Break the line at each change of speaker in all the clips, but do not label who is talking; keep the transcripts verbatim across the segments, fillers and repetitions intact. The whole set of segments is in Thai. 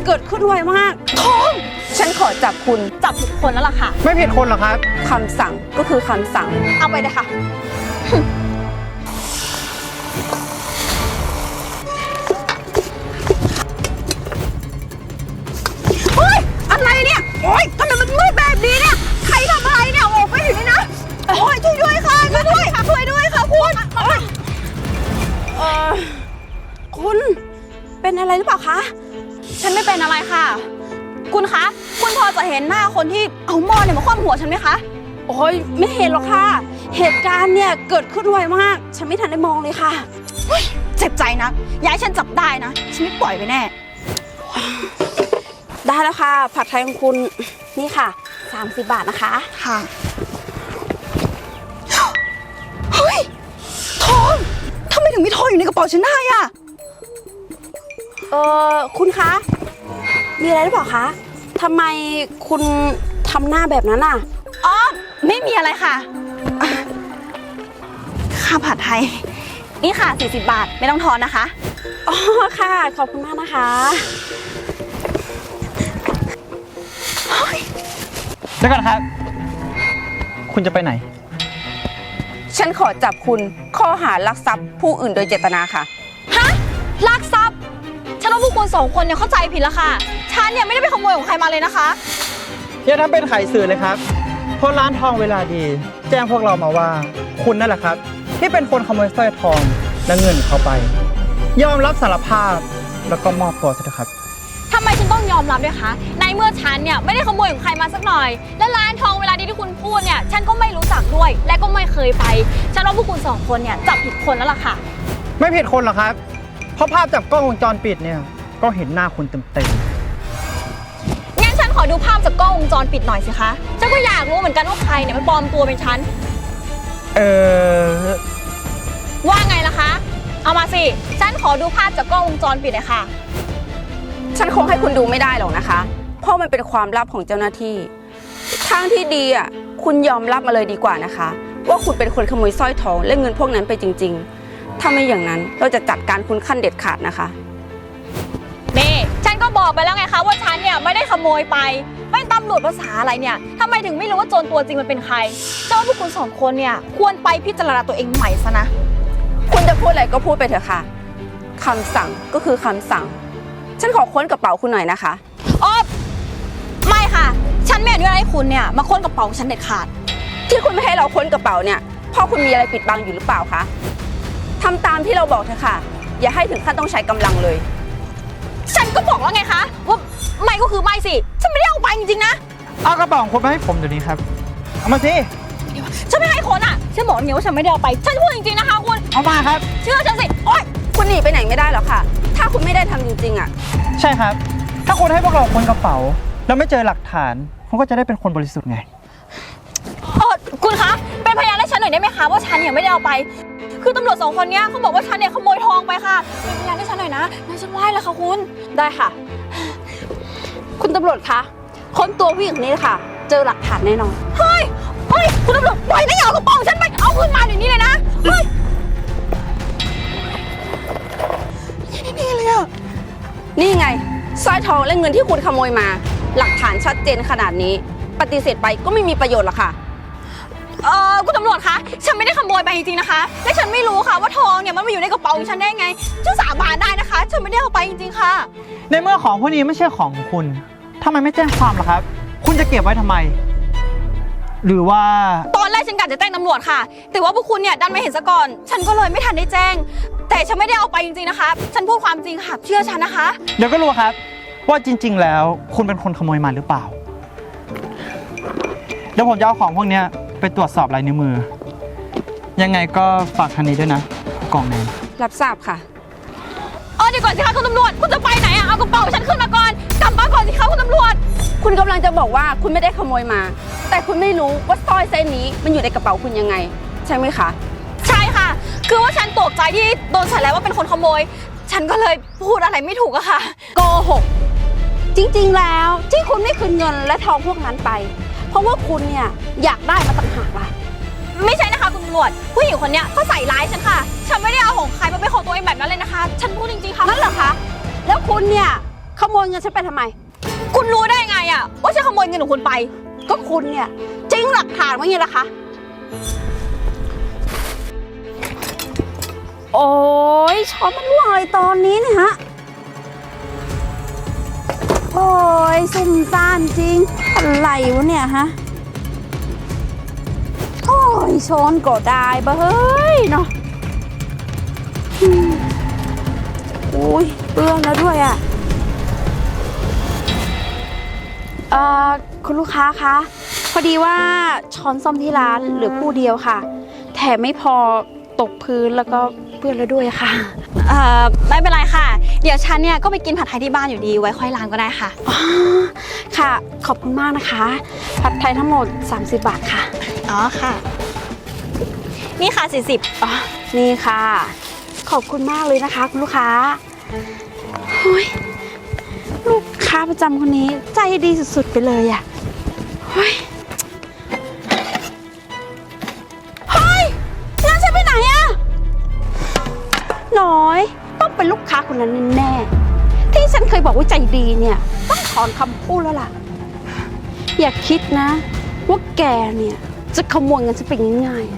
เกิดขึ้นไวมากทองฉันขอจับคุณจับผิดคนแล้วล่ะค่ะ
ไม่ผิดคนหรอกครับ
คำสั่งก็คือคำสั่งเอาไปเลยค่ะเฮ้ยอะไรเนี่ยโอ๊ยทำไมมันมืดแบบนี้เนี่ยใครทำอะไรเนี่ยออกไปอยู่นี่นะโอ๊ยช่วยด้วยค่ะช่วยด้วยค่ะช่วยด้วยค่ะคุณเออคุณเป็นอะไรหรือเปล่าคะฉันไม่เป็นอะไรค่ะคุณคะคุณพอจะเห็นหน้าคนที่เอาหม้อเนี่ยมาคว่ำหัวฉันไหมคะโอ้ยไม่เห็นหรอกค่ะเหตุการณ์เนี่ยเกิดขึ้นไวมากฉันไม่ทันได้มองเลยค่ะเจ็บใจนะอย่าให้ฉันจับได้นะฉันไม่ปล่อยไปแน่ได้แล้วค่ะผัดไทยของคุณนี่ค่ะสามสิบบาทนะคะค่ะเฮ้ยทองทำไมถึงมีทองอยู่ในกระเป๋าฉันได้อะเออคุณคะมีอะไรหรือเปล่าคะทำไมคุณทำหน้าแบบนั้นอ่ะอ๋อไม่มีอะไรค่ะค่าผัดไทยนี่ค่ะสี่สิบบาทไม่ต้องทอนนะคะอ๋อค่ะขอบคุณมากนะคะ
เดี๋ยวก่อนครับคุณจะไปไหน
ฉันขอจับคุณข้อหาลักทรัพย์ผู้อื่นโดยเจตนาค่ะฮะลักทรัพย์ฉันว่าพวกคุณสองคนเนี่ยเข้าใจผิดแล้วค่ะฉันเนี่ยไม่ได้ไปขโมยของใครมาเลยนะคะ
อย่าทำเป็นไขสื่อเลยครับเพราะร้านทองเวลาดีแจ้งพวกเรามาว่าคุณนั่นแหละครับที่เป็นคนขโมยสร้อยทองและเงินเขาไปยอมรับสารภาพแล้วก็มอบตัวซะเถอะครับ
ทำไมฉันต้องยอมรับด้วยคะในเมื่อฉันเนี่ยไม่ได้ขโมยของใครมาสักหน่อยและร้านทองเวลาดีที่คุณพูดเนี่ยฉันก็ไม่รู้จักด้วยและก็ไม่เคยไปฉันว่าพวกคุณสองคนเนี่ยจับผิดคนแล้วล่ะค่ะ
ไม่ผิดคนหรอกครับเพราะภาพจากกล้องวงจรปิดเนี่ยก็เห็นหน้าคุณเต็ม
ๆงั้นฉันขอดูภาพจากกล้องวงจรปิดหน่อยสิคะฉันก็อยากรู้เหมือนกันว่าใครเนี่ยมันปลอมตัวเป็นฉัน
เออ
ว่าไงล่ะคะเอามาสิฉันขอดูภาพจากกล้องวงจรปิดเลยค่ะ
ฉันคงให้คุณดูไม่ได้หรอกนะคะเพราะมันเป็นความลับของเจ้าหน้าที่ทางที่ดีอ่ะคุณยอมรับมาเลยดีกว่านะคะว่าคุณเป็นคนขโมยสร้อยทองและเงินพวกนั้นไปจริงๆถ้าไม่อย่างนั้นเราจะจัดการคุณขั้นเด็ดขาดนะคะ
นี่ฉันก็บอกไปแล้วไงคะว่าฉันเนี่ยไม่ได้ขโมยไปไม่ตำรวจภาษาอะไรเนี่ยทำไมถึงไม่รู้ว่าโจรตัวจริงมันเป็นใครเจ้าพวกคุณสองคนเนี่ยควรไปพิจารณาตัวเองใหม่ซะนะ
คุณจะพูดอะไรก็พูดไปเถอะค่ะคำสั่งก็คือคำสั่งฉันขอค้นกระเป๋าคุณหน่อยนะคะ
อ๋อไม่ค่ะฉันไม่อนุญาตให้คุณเนี่ยมาค้นกระเป๋าฉันเด็ดขาด
ที่คุณไม่ให้เราค้นกระเป๋าเนี่ยเพราะคุณมีอะไรปิดบังอยู่หรือเปล่าคะทำตามที่เราบอกเถอะค่ะอย่าให้ถึงขั้นต้องใช้กำลังเลย
ฉันก็บอกแล้วไงคะว่าไม่ก็คือไม่สิฉันไม่ได้เอาไปจริงๆนะ
เอากระเป๋าของคุณมาให้ผมเดี๋ยวนี้ครับเอามาสิ
ฉันไม่ให้คนอ่ะฉันบอกเนี่ยว่าฉันไม่ได้เอาไปฉันพูดจริงๆนะคะคุณ
เอามาครับ
เชื่อฉันสิโอ๊ย
คุณหนีไปไหนไม่ได้หรอกค่ะถ้าคุณไม่ได้ทำจริงๆอ่ะ
ใช่ครับถ้าคุณให้พวกเราค้นกระเป๋าแล้วไม่เจอหลักฐานคุณก็จะได้เป็นคนบริสุทธิ์ไง
เออคุณคะเป็นพยานให้ฉันหน่อยได้ไหมคะว่าฉันเนี่ยไม่ได้เอาไปคือตำรวจสองคนนี้เขาบอกว่าฉันเนี่ยขโมยทองไปค่ะเป็นพยานให้ฉันหน่อยนะงั้นฉันไหว้แล้วค่ะคุณ
ได้ค่ะคุณตำรวจคะค้นตัวผู้หญิงคนนี้เลยค่ะเจอหลักฐานแน่นอน
เฮ้ยเฮ้ยคุณตำรวจปล่อยนะอย่าเอากระเป๋าฉันไปเอาคืนมาเดี๋ยวนี้เลยนะเฮ้ยนี่เลยอ่ะ
นี่ไงสร้อยทองและเงินที่คุณขโมยมาหลักฐานชัดเจนขนาดนี้ปฏิเสธไปก็ไม่มีประโยชน์หรอกค่ะ
เออคุณตำรวจคะฉันไม่ได้ขโมยไปจริงๆนะคะและฉันไม่รู้ค่ะว่าทองเนี่ยมันมาอยู่ในกระเป๋าของฉันได้ไงฉันสาบานได้นะคะฉันไม่ได้เอาไปจริงๆค่ะ
ในเมื่อของพวกนี้ไม่ใช่ของของคุณทำไมไม่แจ้งความล่ะครับคุณจะเก็บไว้ทำไมหรือว่า
ตอนแรกฉันกะจะแจ้งตำรวจค่ะแต่ว่าพวกคุณเนี่ยดันไม่เห็นซะก่อนฉันก็เลยไม่ทันได้แจ้งแต่ฉันไม่ได้เอาไปจริงๆนะคะฉันพูดความจริงค่ะเชื่อฉันนะคะ
เดี๋ยวก็รู้ครับว่าจริงๆแล้วคุณเป็นคนขโมยมาหรือเปล่าเดี๋ยวผมจะเอาของพวกนี้ไปตรวจสอบลายนิ้วมือยังไงก็ฝากทางนี้ด้วยนะกล่องแดง
รับทราบค่ะ
เออเดี๋ยวก่อนสิคะคุณตำรวจคุณจะไปไหนอะเอากระเป๋าฉันขึ้นมาก่อนกลับมาก่อนสิคะคุณตำรวจ
คุณกำลังจะบอกว่าคุณไม่ได้ขโมยมาแต่คุณไม่รู้ว่าสร้อยเส้นนี้มันอยู่ในกระเป๋าคุณยังไงใช่ไหมคะ
ใช่ค่ะคือว่าฉันตกใจที่โดนใส่แล้วว่าเป็นคนขโมยฉันก็เลยพูดอะไรไม่ถูกอะค่ะ
โกหกจริงๆแล้วที่คุณไม่คืนเงินและทองพวกนั้นไปเพราะว่าคุณเนี่ยอยากได้มาต่างหากล่ะ
ไม่ใช่นะคะคุณตำรวจผู้หญิงคนนี้เขาใส่ร้ายฉันค่ะฉันไม่ได้เอาของใครมาเป็นของตัวเองแบบนั้นเลยนะคะฉันพูดจริงๆค่ะ
นั่นเหรอคะแล้วคุณเนี่ยขโมยเงินฉันไปทำไม
คุณรู้ได้ไงอะว่าฉันขโมยเงินของคุณไป
ก็คุณเนี่ยจริงหลักฐานว่าไงล่ะคะ โอ้ยช้อนมันร่วงอะไรตอนนี้เนี่ยฮะ โอ้ยซุ่มซ่ามจริง อะไรวะเนี่ยฮะ โอ้ยช้อนก็ได้บะเฮ้ยเนาะอืมอุ้ยเปื้อนแล้วด้วยอ่ะ เอ่อคุณลูกค้าคะพอดีว่าช้อนซ่อมที่ร้านเหลือคู่เดียวค่ะ แถมไม่พอตกพื้นแล้วก็เปื้อนแล้วด้วยค่ะ
เอ่อไม่เป็นไรค่ะ เดี๋ยวฉันเนี่ยก็ไปกินผัดไทยที่บ้านอยู่ดีไว้ค่อยล้างก็ได้ค่ะ
อ๋อค่ะขอบคุณมากนะคะ ผัดไทยทั้งหมด สามสิบบาทค่ะ
อ๋อค่ะ นี่ค่ะสี่สิบ
อ๋อนี่ค่ะ ขอบคุณมากเลยนะคะคุณลูกค้าโอ้ยลูกค้าประจำคนนี้ใจดีสุดๆไปเลยอ่ะเฮ้ยเฮ้ยงานฉันไปไหนอะน้อยต้องเป็นลูกค้าคนนั้นแน่ๆที่ฉันเคยบอกว่าใจดีเนี่ยต้องถอนคำพูดแล้วล่ะ อย่าคิดนะว่าแกเนี่ยจะขโมยเงินฉันไปง่ายๆ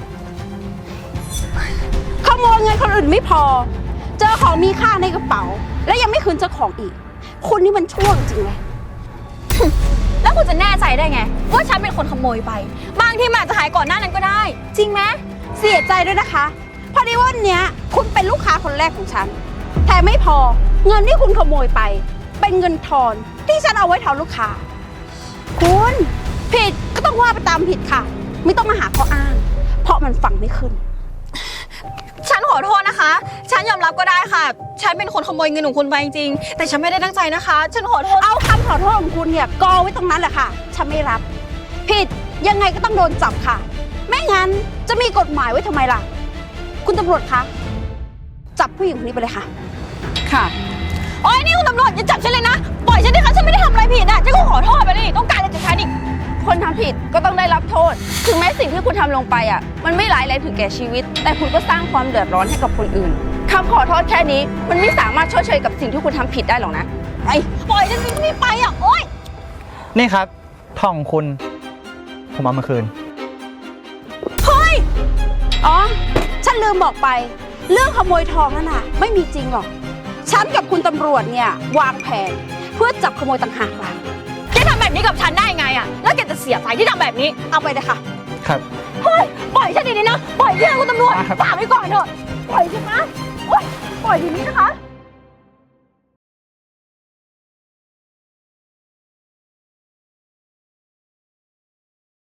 ขโมยเงินคนอื่นไม่พอ เจอของมีค่าในกระเป๋า และยังไม่คืนเจ้าของอีก คุณนี่มันช่วงจริงเลย
แล้วคุณจะแน่ใจได้ไงว่าฉันเป็นคนขโมยไป บางทีมันอาจจะหายก่อนหน้านั้นก็ได้ จริงไหม
เสียใจด้วยนะคะ พอดีว่าวันเนี้ยคุณเป็นลูกค้าคนแรกของฉัน แต่ไม่พอเงินที่คุณขโมยไป เป็นเงินทอนที่ฉันเอาไว้ทอนลูกค้า คุณผิดก็ต้องว่าไปตามผิดค่ะ ไม่ต้องมาหาข้ออ้าง เพราะมันฟังไม่ขึ้น
ฉันขอโทษนะคะ ฉันยอมรับก็ได้ค่ะ ฉันเป็นคนขโมยเงินของคุณไปจริงๆแต่ฉันไม่ได้ตั้งใจนะคะ ฉันขอโทษ
เอาคำขอโทษของคุณเนี่ยกอไว้ตรงนั้นแหละค่ะ ฉันไม่รับ ผิดยังไงก็ต้องโดนจับค่ะ ไม่งั้นจะมีกฎหมายไว้ทำไมล่ะ คุณตำรวจคะ จับผู้หญิงคนนี้ไปเลยค่ะ ค่ะ
โอ๊ยนี่คุณตำรวจอย่าจับฉันเลยนะ ปล่อยฉันดิคะฉันไม่ได้ทำอะไรผิดอ่ะฉันก็ขอโทษไปนี่ต้องการอะไรจากฉันอีก
คนทำผิดก็ต้องได้รับโทษ ถึงแม้สิ่งที่คุณทำลงไปอ่ะ มันไม่ร้ายแรงถึงแก่ชีวิต แต่คุณก็สร้างความเดือดร้อนให้กับคนอื่นคำขอโทษแค่นี้ มันไม่สามารถชดเชยกับสิ่งที่คุณทำผิดได้หรอกนะ
ไอ้ปล่อยฉันสิไม่ไปอ่ะโอ๊ย
นี่ครับทองของคุณ ผมเอามาคืน
เฮ้ย อ๋อ ฉันลืมบอกไป เรื่องขโมยทองนั่นน่ะ ไม่มีจริงหรอก ฉันกับคุณตำรวจเนี่ยวางแผนเพื่อจับขโมยต่างหากล่ะ
แกทำแบบนี้กับฉันได้ไงอ่ะ แล้วแกจะเสียใจที่ทำแบบนี้
เอาไปเลยค่ะ
ครับ
เฮ้ย ปล่อยฉันดีๆนะ ปล่อยเพื่อนคุณตำรวจ
ครับ
ฝากไว้ก่อนเถอะ ปล่อยฉันนะโอ๊ยปล่อยทีนี้นะคะ